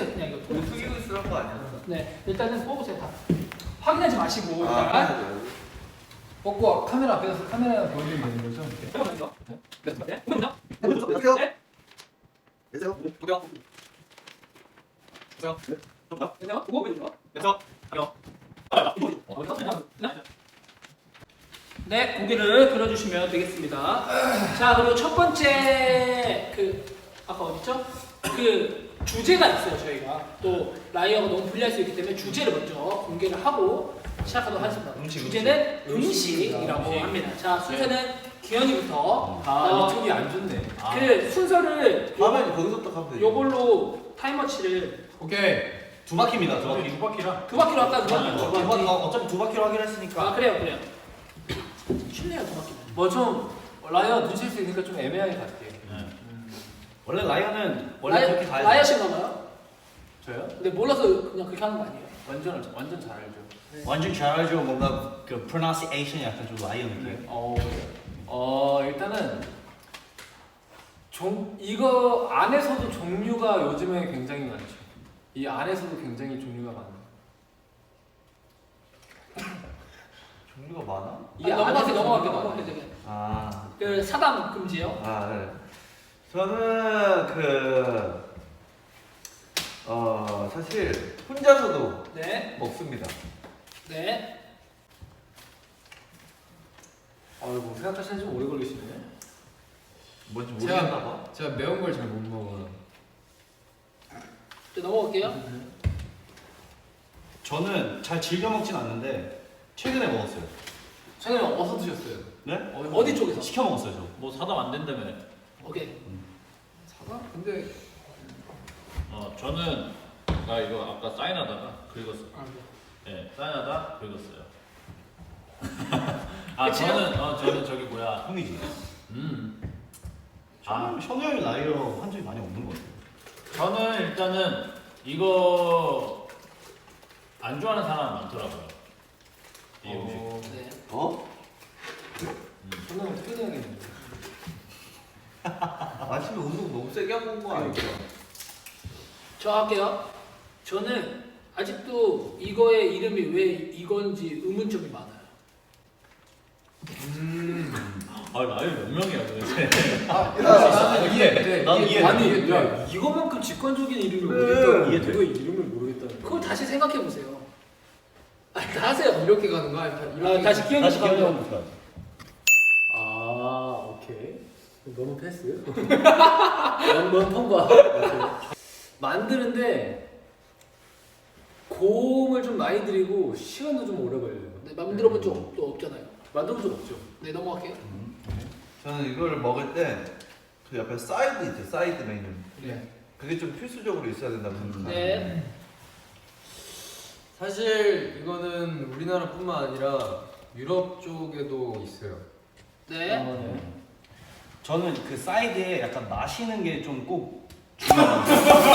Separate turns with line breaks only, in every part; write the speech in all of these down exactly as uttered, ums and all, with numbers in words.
뽑으세요 그냥 이거.
투기스러운 거 아니었어?
네, 일단은 뽑으세요 다. 확인하지 마시고
아,
일단.
뽑고 카메라 앞에서 카메라 보여주면 되는 거죠?
네. 네. 네. 네.
안녕하세요.
네.
안녕하세요.
보세요. 보세요. 안녕. 보고 보여줘. 그래서 안녕. 네, 고개를 들어주시면 되겠습니다. 자, 그리고 첫 번째 그 아까 어딨죠? 그 주제가 있어요. 저희가 또 라이어가 너무 불리할 수 있기 때문에 주제를 먼저 공개를 하고 시작하도록 하겠습니다.
음식,
주제는 음식이라고
음식.
합니다. 자, 순서는 기현이부터.
아
어,
이쪽이 안 좋네. 아.
그 순서를 요,
다음에 거기서부터 가면 되지.
요걸로 타이머치를
오케이.
두 바퀴입니다. 두 바퀴.
두 바퀴라.
두 바퀴로 할까요? 두
두
바퀴.
바퀴. 어, 어차피 두 바퀴로 하기로 했으니까.
아, 그래요, 그래요. 쉽네요, 두 바퀴.
뭐좀 라이어 눈칠 수 있으니까 좀 애매하게 갈게.
원래 라이언은 원래
라이-
그렇게 가야 돼.
라이어신가 봐요?
저요?
근데 몰라서 그냥 그렇게 하는 거 아니에요?
완전 완전 잘 알죠.
완전 잘 알죠. 뭔가 그 pronunciation이 약간 좀 라이언 느낌.
어, 어 일단은 종 이거 안에서도 종류가 요즘에 굉장히 많죠. 이 안에서도 굉장히 종류가 많아요.
종류가 많아?
이 넘어갈게,
안에서
넘어갈게,
종류가
넘어갈게.
많아요.
되게.
아.
그 사담 금지요?
아, 네. 저는 그 어, 사실 혼자서도
네,
먹습니다.
네.
아이고 생각하시는 좀 오래 걸리시네.
뭔지
제가-
모르겠나 봐.
제가 매운 걸 잘 못 먹어요.
이제 넘어갈게요.
저는 잘 즐겨 먹진 않는데 최근에 먹었어요.
최근에 어디서 드셨어요?
네?
어디 쪽에서?
시켜 먹었어요, 저.
뭐 사담 안 된다며.
오케이.
사과? 근데
어 저는 나 이거 아까 사인하다가 긁었어.
아, 네.
예, 사인하다 긁었어요. 아
그치요?
저는 어 저는 저기 뭐야.
형이지.
음.
아, 현우 형이 나이로 한 적이 많이 없는 것 같아요.
저는 일단은 이거 안 좋아하는 사람 많더라고요. 이 음식.
어,
네.
어?
저는 어떻게 해야겠는데?
아침에 운동 너무 세게 하고 온 거 아니야?
저 할게요. 저는 아직도 이거의 이름이 왜 이건지 의문점이 많아요.
음.
아 나이 몇 명이야 도대체.
아,
나는
이해. 돼.
나는
이해.
이해.
아니, 야, 이거만큼 직관적인 이름을
네.
모르겠다.
이해 돼.
이거 이름을 모르겠다는
그걸 다시 생각해 보세요. 아니, 다 하세요.
이렇게 가는 거야?
아, 다시 기현이
다시
씨 가면.
기억나부터.
아, 오케이. 너무 패스. 너무 통과. 만드는데 고음을 좀 많이 들이고 시간도 좀 오래 걸려요.
네, 만들어 본 적 없잖아요.
만들어 본 적 없죠.
네, 넘어갈게요.
저는 이걸 먹을 때 그 옆에 사이드 있죠, 사이드 메뉴.
네.
그게 좀 필수적으로 있어야 된다고 생각합니다.
네.
사실 이거는 우리나라뿐만 아니라 유럽 쪽에도 있어요.
네.
아, 네.
저는 그 사이드에 약간 마시는 게 좀 꼭 중요해요.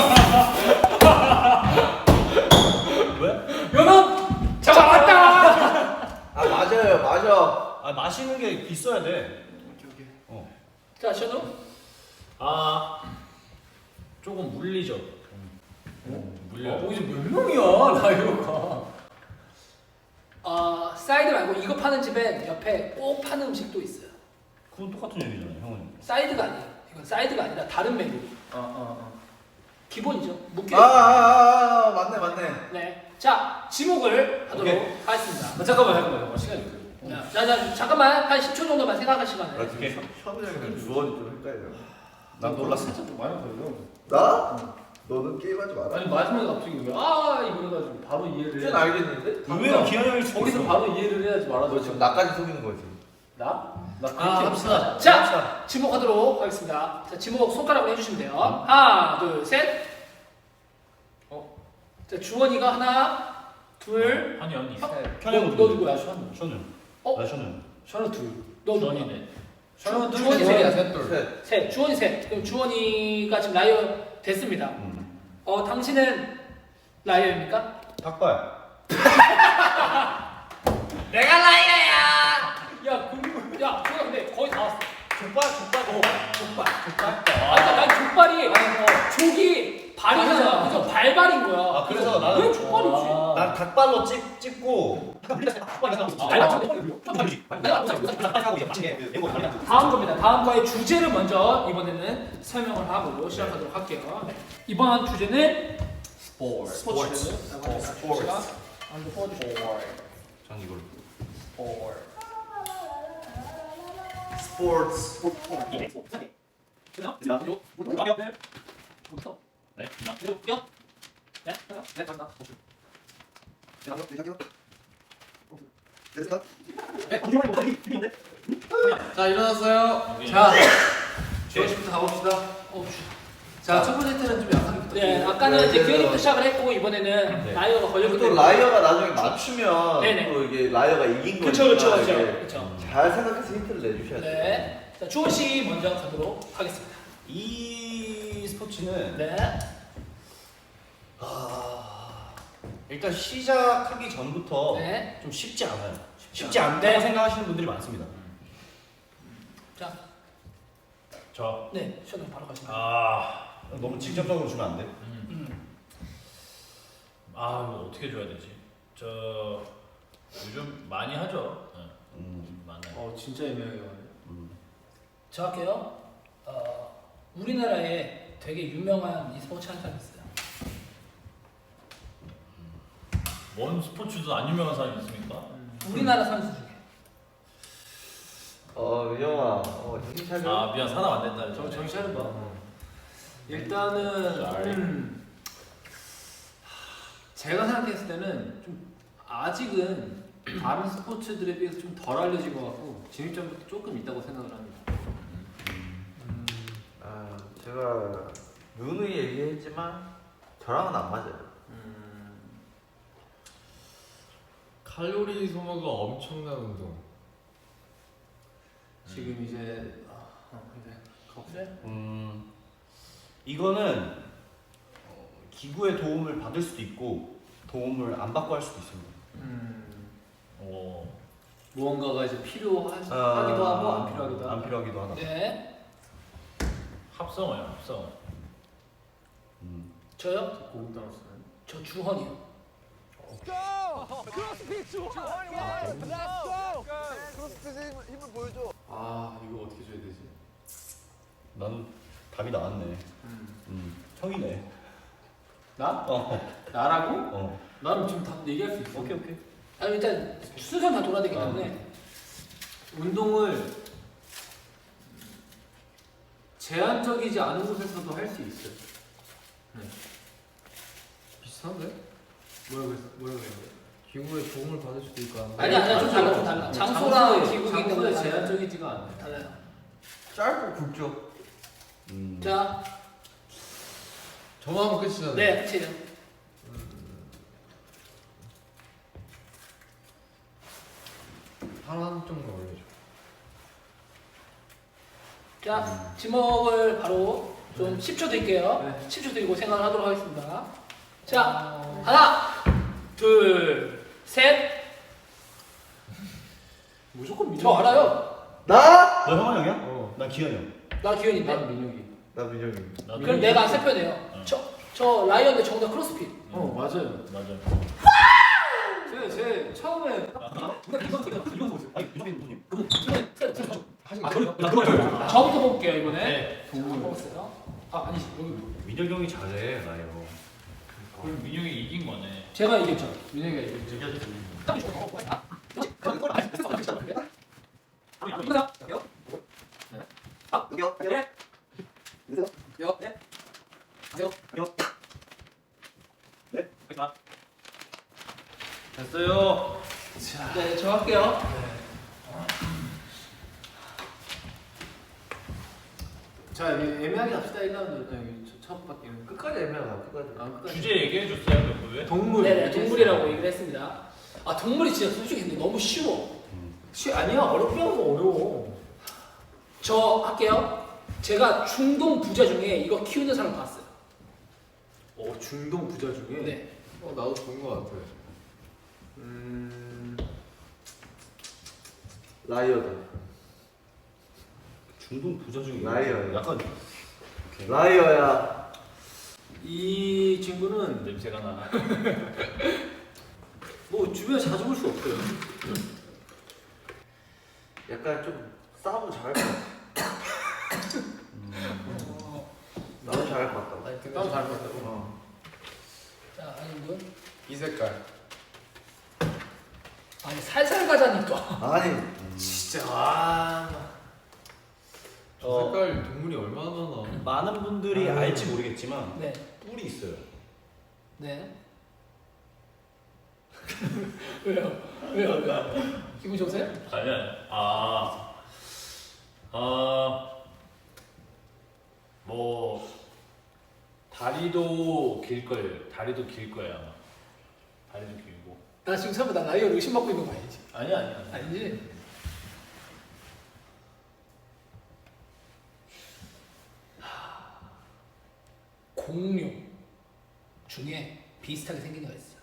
왜?
연합 잡았다.
아 맞아요, 맞아. 아 마시는 게 있어야 돼. 어.
자, 션우.
아 조금 물리죠. 어, 물려.
어, 이제 몇 명이야, 라이오가.
어, 사이드 말고 이거 파는 집엔 옆에 꼭 파는 음식도 있어요.
그건 똑같은 얘기잖아요, 형은.
사이드가 아니에요. 이건 사이드가 아니라 다른 메뉴.
어, 어,
기본이죠. 무게.
아, 아, 아, 아 맞네, 맞네.
네. 자, 지목을 하도록
오케이.
하겠습니다.
어. 잠깐만, 잠깐만. 시간이 없어요.
자, 자, 자, 잠깐만 한 십 초 정도만 생각할 시간을.
나 지금 현우 형이랑 주원이 좀 헷갈려. 난 놀랐어.
살짝 좀 많이 걸려.
나? 너는 게임하지 마라.
아니 마지막에 갑자기 왜 아 이거래가지고 바로 이해를
이젠
해야
알겠는데? 의외로
의외로
기현이 형이 죽고
거기서
있어.
바로 이해를 해야지 말아줘.
너 지금 나까지 속이는 거지.
나? 나 그렇게
아 합시다.
자, 지목하도록 하겠습니다. 자, 지목 손가락으로 해주시면 돼요. 하나, 둘, 셋.
어?
자, 주원이가 하나, 둘.
한이 언니.
어?
현우 형
너 누구야?
션우.
현우.
어?
나 현우.
션우 둘.
너 누구야?
전이네.
주-
둘,
주원이
주원이야,
셋.
셋 둘.
셋.
셋. 주원이 셋. 그럼 주원이가 지금 라이어 됐습니다.
음.
어, 당신은 라이어입니까?
닭발.
내가 라이어야. 야, 그, 야, 그거 근데 거의 다 왔어.
족발, 족발.
족발, 족발. 아, 난 족발이 족이 발이잖아. 그죠? 발 발발인 거야.
아, 그래서 나는-
왜 족발이지?
난 닭발로 찍, 찍고
다음 겁니다. 다음 거의 주제를 먼저 이번에는 설명을 하고 시작하도록 할게요. 네. 이번 주제는
스포츠.
스포츠라고 합니다.
스포츠.
제가 먼저 뽑아주세요.
전 이걸
스포츠.
네. 네. 네. 네. 간다.
자 일어났어요.
오케이.
자 주어식부터 가봅시다.
어, 주-
자 첫 번째 때는 좀 약하게 부탁드립니다.
네, 아까는 이제
네,
기현이부터
네.
시작을 했고 이번에는
네.
라이어가 걸렸기
또
때문에
라이어가 나중에 맞추면
네네.
또 이게 라이어가 이긴 거니까
그쵸 그쵸 그쵸
이게
그쵸.
잘 생각해서 힌트를 내주셔야 돼요.
네. 자 주원 씨 먼저 가도록 하겠습니다.
이 스포츠는
네.
아, 일단 시작하기 전부터
네.
좀 쉽지 않아요.
쉽지
쉽지
않-
않다고
네.
생각하시는 분들이 많습니다.
자,
저
네. 시원하게 바로 가시면.
아, 너무 직접적으로 주면 안 돼.
음.
음.
아 이거 어떻게 줘야 되지? 저 요즘 많이 하죠. 네.
음,
요즘 많아요.
어 진짜 애매하게 가네.
음.
저 할게요. 어, 우리나라에 되게 유명한 e스포츠 하는 사람이 있어요.
뭔 스포츠도 안 유명한 사람이 있습니까?
우리나라 선수 중에.
어 민영아, 어 정신 차려.
아 미안 사람 안 된다.
정 정신 차려봐. 일단은
Sorry.
음, 제가 생각했을 때는 좀 아직은 다른 스포츠들에 비해서 좀 덜 알려진 것 같고 진입점도 조금 있다고 생각을 합니다.
아 제가 누누이 얘기했지만 저랑은 안 맞아요.
음,
칼로리 소모가 엄청난 운동.
지금 이제 아, 어, 이제
그래?
음, 이거는 어, 기구의 도움을 받을 수도 있고 도움을 안 받고 할 수도 있습니다.
음,
오.
무언가가 이제 필요하기도
아,
하고 안 필요하기도 하고.
안 필요하기도 하다.
네.
합성어요 합성어.
음.
저요?
고급 단어 쓰는.
저 주헌이요.
아 이거 어떻게 줘야 되지?
난 답이 나왔네.
음.
음, 형이네.
나?
어,
나라고?
어.
나는 지금 다 얘기할 수 있어.
오케이 오케이.
아 일단 순서 다 돌아야 되기
아.
때문에
운동을 제한적이지 않은 곳에서도 할 수 있어요. 네.
비슷한데?
뭐라고 했어? 뭐라고 했어?
기구의 도움을 받을 수도 있고 안
아니 아니 좀 달라 좀 달라. 장소랑 기구 있는
장소에
거
제한적이지가 않아요.
달라요.
짧고 굵죠.
음.
자,
저만 하면 끝이잖아요.
네, 끝이에요.
하나 한쪽만 올려줘.
자, 지목을 바로 좀 십 초 드릴게요.
네.
십 초 드리고 생각을 하도록 하겠습니다. 자, 하나, 둘, 셋.
무조건 민혁이.
저 알아요.
나?
너 형아 형이야?
어.
난 기현이 형.
나 기현인데.
난 민혁이.
나 민영이.
나도
그럼 내가 안 세표네요.
어.
저, 저 라이언데 정답 크로스핏.
어 맞아요.
맞아.
제, 제 처음에
이건 이건 이건 뭐죠?
아니 유정민 교수님.
하지
아,
마세요.
저부터 볼게요 이번에.
네.
안 뽑았어요. 아 아니지 여기
민혁이 형이 잘해 나요.
그럼 민혁이 이긴 거네.
제가 이겼죠.
민혁이가 이겼죠.
딱 좋아. 아, 그렇지. 그럼 이걸 안 했어. 안 했어. 아, 이거다. 갈게요. 아,
여기요.
네.
여기요.
요. 네. 가세요.
네, 알겠습니다.
됐어요.
네, 저 할게요.
자 애- 애매하게 합시다. 일 라운드 여기 첫- 첫 바퀴는 끝.
끝까지 애매하다. 끝까지.
아 끝까지.
주제 얘기해 줬어요 몇
동물.
네, 네, 동물이라고 얘기를 했습니다. 아, 동물이 진짜 솔직히 근데 너무 쉬워.
쉬 아니야 어렵게 하는 거 어려워.
저 할게요. 제가 중동 부자 중에 이거 키우는 사람 봤어요.
어 중동 부자 중에.
네.
어 나도 좋은 거 같아.
음.
라이어다.
중동 부자 중에
라이어예요.
약간
라이어야.
이 이 친구는
냄새가 나.
뭐 주변에 자주 볼 수 없어요.
약간 좀 싸움을 잘할 것 같아. 나도 잘할 것 같다.
아니 근데
나도
잘
잘
봤다고.
어.
자, 아닌분.
이 색깔.
아니 살살 가자니까.
아니
진짜 아. 저
어.
색깔 동물이 얼마나 많아.
많은 분들이
아유.
알지 모르겠지만
네,
뿔이 있어요.
네. 왜요? 왜요? 왜요? 기분 좋으세요?
아니야. 아, 아, 뭐 다리도 길 거예요. 다리도 길 거야 아마. 다리도 길고.
나 지금 설마 나 라이언 의심받고 있는 거 아니지?
아니야 아니야.
아니지? 하, 공룡 중에 비슷하게 생긴 애가 있어.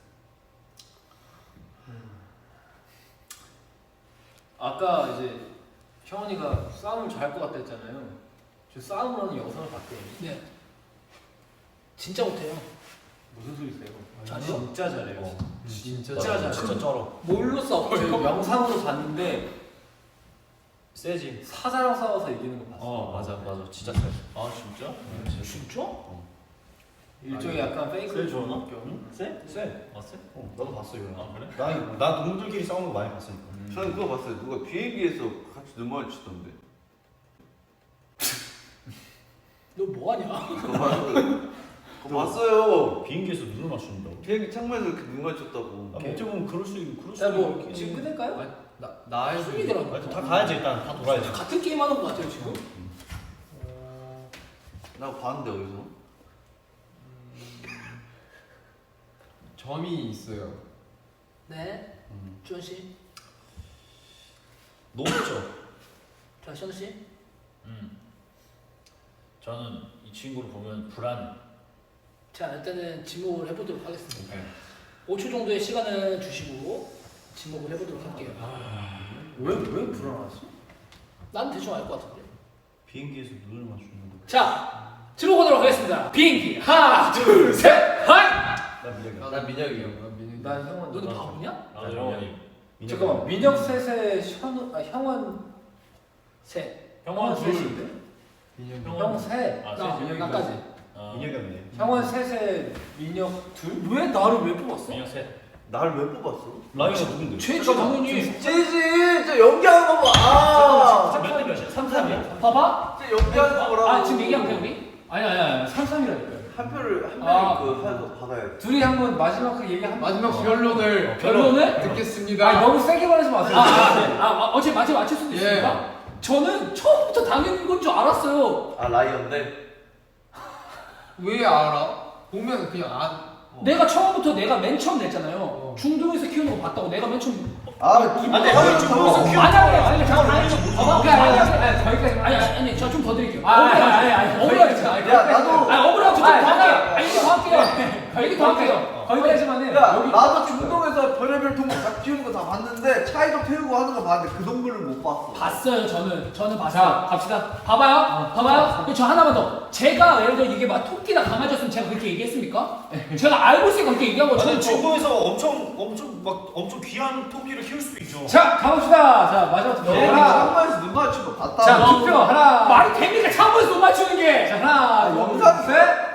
아까 이제 형원이가 싸움을 잘할 것 같다 했잖아요. 저 싸움을 하는 영상을 봤대요.
네. 진짜 못해요.
무슨 소리세요?
잘해요?
진짜 잘해요.
어.
진짜
진짜
잘.
잘.
진짜 쩔어.
뭘로 싸워?
저 영상으로 봤는데
세지.
사자랑 싸워서 이기는 거 봤어.
어 맞아 맞아 진짜 세.
아 진짜?
진짜?
일종의 약간 페이크
세 좋나?
경.
세? 세.
봤어?
어 나도 봤어 이거.
아 그래?
나, 나 동물들끼리 싸우는 거 많이 봤으니까.
저는 그거 봤어요. 누가 비행기에서 같이 눈만 치던데.
너 뭐하냐?
그거 봤어요. 그거 봤어요.
비행기에서 눈을 맞춘다고.
비행기 창문에서 이렇게 눈 맞췄다고.
아, 어떻게 보면 그럴 수 그럴 수
자, 뭐
있겠긴
지금
해.
끝낼까요?
아니, 나 나의
숨이더라고.
하여튼 다 가야지 일단 다 돌아야지.
같은 게임 하는 거 같아요 지금.
나 봤는데 어디서?
점이 있어요.
네.
음.
주원 씨,
높죠.
자 시원 씨.
음. 저는 이 친구를 보면 불안.
자 일단은 지목을 해보도록 하겠습니다.
네.
오 초 정도의 시간을 주시고 지목을 해보도록 할게요.
왜왜 불안하지?
난 대충 알 것 같은데.
비행기에서 눈을 맞추는 거.
자 들어보도록 하겠습니다. 비행기 하나 둘 셋 하이.
나 미역이.
나 민혁이요. 나 민혁이.
난 형원.
너는 바보냐?
아 영원히.
잠깐만 민혁 셋의 현 아, 형원
셋.
형원 둘.
셋인데?
민혁이.
형 셋.
아,
나
민혁이
나까지.
아,
민혁이 없네.
형원 셋에 민혁 둘?
왜 나를 왜 뽑았어?
민혁 셋.
나를 왜 뽑았어?
라이언 누군데?
최지 당연히.
찌지! 저 연기하는 거 봐! 아!
몇대 몇이야? 삼 삼이야?
봐봐.
저 연기하는 거라고.
아 지금 얘기하면 돼 우리?
아니 아니 아니 삼 삼이라니까요.
한 표를 한
아.
명이 그 해서 받아야 돼.
둘이 한번 마지막 그 얘기 한
마지막 결론을
결론을?
듣겠습니다.
아 너무 세게 말하지 마세요.
아, 아, 네. 아, 아 어제 맞춰 맞출 수도
예.
있으니까. 저는 처음부터 당연한 건 줄 알았어요.
아 라이언데?
왜 알아? 보면 그냥 안. 어.
내가 처음부터 내가 맨 처음 냈잖아요.
어.
중동에서 키우는 거 봤다고 내가 맨 처음.
아
근데 형이 중국에서
아니
키우는
아니
거야.
아니 잠깐 아니 봐봐.
아니, 아니, 아니, 아니, 거기까지.
아니 아니 아니 저 좀 더 드릴게요.
아, 아니, 아니, 아니,
억울하지.
거기까지.
야 나도
아니 억울하고 좀더
아니,
할게요.
아니,
아니 이거 더 할게요. 얘기 더 할게요.
거기까지만 해.
야
여기
나도 중동에서 별의별 동물 다 키우는 거 다 봤는데 차이도 태우고 하는 거 봤는데 그 동물은 못 봤어.
봤어요 저는 저는
자
봤어요.
갑시다.
봐봐요. 봐봐요. 그리고 저 하나만 더. 제가 예를 들어 이게 막 토끼나 강아지였으면 제가 그렇게 얘기했습니까? 제가 알고 있으니까 그렇게 얘기한 거죠.
아니 중국에서 엄청 엄청 막 엄청 귀한 토끼를 키울 수도 있죠.
자 가봅시다. 자 마지막 투표.
비행기
하나.
창문에서 눈 맞춘 거 봤다.
자 투표 하나.
말이 됩니까? 창문에서 못 맞추는 게.
자 하나
영상
둘셋.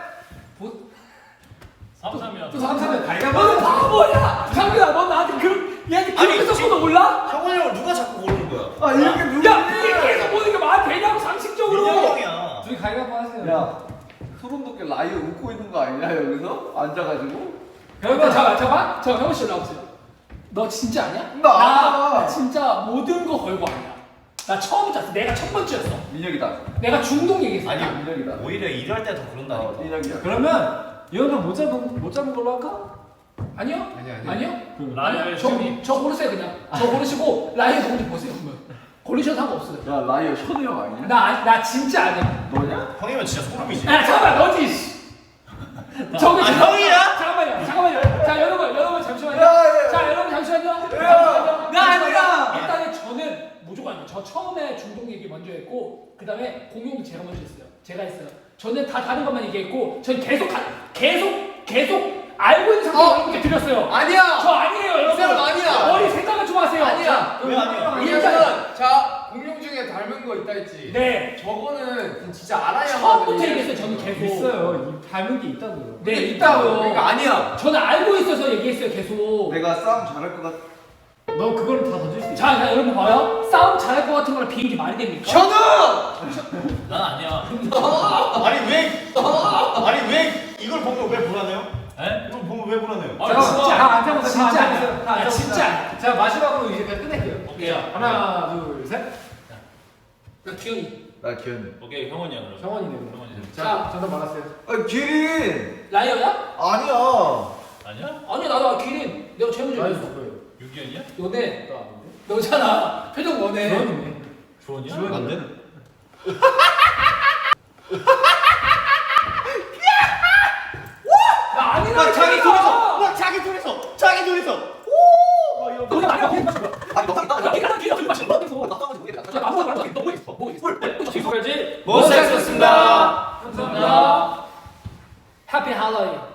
삼 삼이야.
또
삼삼은 갈가봐.
너는 바보야. 장민아 너 나한테 그 얘한테
아니,
그렇게
지금-
섞어도 몰라?
형원이 형을 누가 자꾸 고르는 거야?
아 이렇게 누구?
야 비행기에서 보는 게 말이 되냐고 상식적으로.
민혁이 형이야.
둘이 갈가봐 하세요.
야 소름 돋게 라이언 웃고 있는 거 아니냐 여기서 앉아가지고?
그러면 잠깐 잠깐 저 병원 씨 나오세요. 너 진짜 아니야?
나
나
알아.
진짜 모든 거 걸고 아니야. 나 처음부터 알았어. 내가 첫 번째였어.
민혁이다.
내가 중동 얘기했어.
아니
민혁이다.
오히려 일할 때 더
어,
그런다니까.
민혁이야.
그러면 이거는 못 잡은 못 잡은 걸로 할까?
아니요?
아니 아니.
아니요?
라이언
저,
셋이.
저 고르세요 그냥. 저 고르시고 라이언 누군지 보세요 그러면. 고르셔도 상관없어요.
야 라이언 현우 형 아니냐?
나, 아- 나 진짜 아니야.
너냐?
형이면 진짜 소름이지.
야 잠깐만 너지. 씨. 저기
아,
지금-
형이야?
잠깐만요. 잠깐만요. 자 여러분 여러분 잠시만요.
야, 야, 야.
자 여러분 잠시만요.
야,
잠시만요.
나 아니야.
일단은 저는 무조건 아니에요. 저 처음에 중동 얘기 먼저 했고 그 다음에 공룡도 제가 먼저 했어요. 제가 했어요. 저는 다 다른 것만 얘기했고 저는 계속 가, 계속 계속 알고 있는 상태로 여러분께 드렸어요.
아니야.
저 아니에요,
이
여러분.
사람 아니야.
머리 생각을 좀 하세요.
아니야.
왜 아니야?
왜냐면 자 공룡 중에 닮은 거 있다 했지.
네.
저거는 진짜 알아야만.
처음부터 얘기했어요, 저는 계속.
있어요. 이 닮은 게 있다고요.
네, 있다고요.
그러니까 아니야.
저는 알고 있어서 얘기했어요, 계속.
내가 싸움 잘할 것 같아.
너 그거는 다 던질 수 있어.
자, 자, 여러분 봐요. 싸움 잘할 것 같은 거랑 비는 게 말이 됩니까?
저는
난 아니야.
아니 왜? 아니 왜 이걸 보면 왜 불안해요?
에?
이걸 보면 왜 불안해요?
아,
자,
진짜.
다 앉아보세요.
진짜
다
아니야.
앉아보세요. 다
야,
앉아보세요.
진짜 아니야.
자, 마지막으로 이제 그냥 끝낼게요.
오케이.
하나, 둘, 셋.
나 기현이.
나 기현.
오케이, 형원이야 그럼.
정원이네.
형원이네.
자, 정답 말았어요.
아 기린.
라이어야?
아니야.
아니야?
아니야, 나도 기린. 내가 제일 먼저
나이
얘기했어.
높아요.
유기현이야?
너네.
나 아닌데?
너잖아. 표정 너네.
주원이네.
주원이야?
안 돼?
나 아니라
막 자기 둘이서 막 자기 둘이서 자기 둘이서 오! 막 이런
너네 말이야.
아니 너 나.
나 기린 기린 마셔. 너
나 싸우지 모르겠다.
야, 아무나 말하지. 너무 있어. 뭐 있어? 계속해야지.
못생겼습니다.
감사합니다. 해피 할로윈.